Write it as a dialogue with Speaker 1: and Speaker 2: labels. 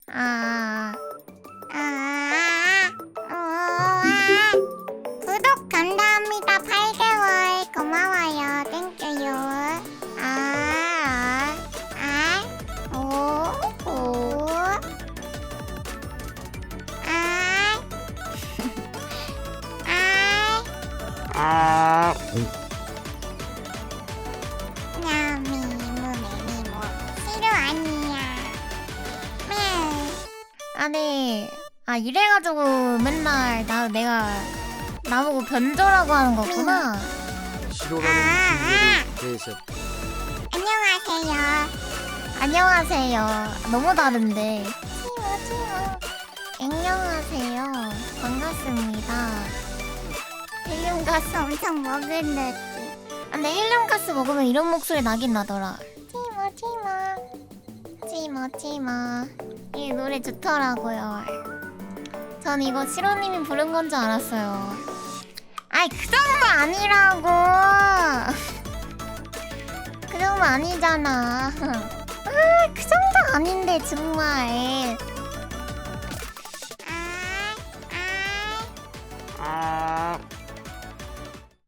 Speaker 1: 아, 구독 감사합니다. 8개월 고마워요. 땡큐요. 미모 싫어 아니야. 아니, 이래가지고 맨날 내가 나보고 변조라고 하는 거구나.
Speaker 2: 싫어라는 이유에 대해서
Speaker 1: 안녕하세요. 안녕하세요. 너무 다른데. 치모. 안녕하세요. 반갑습니다. 헬륨가스 엄청 먹을래. 근데 헬륨가스 먹으면 이런 목소리 나긴 나더라. 치모. 이 노래 좋더라고요. 전 이거 시로님이 부른 건 줄 알았어요. 아이, 그 정도 아니라고. 그 정도 아니잖아. 그 정도 아닌데 정말.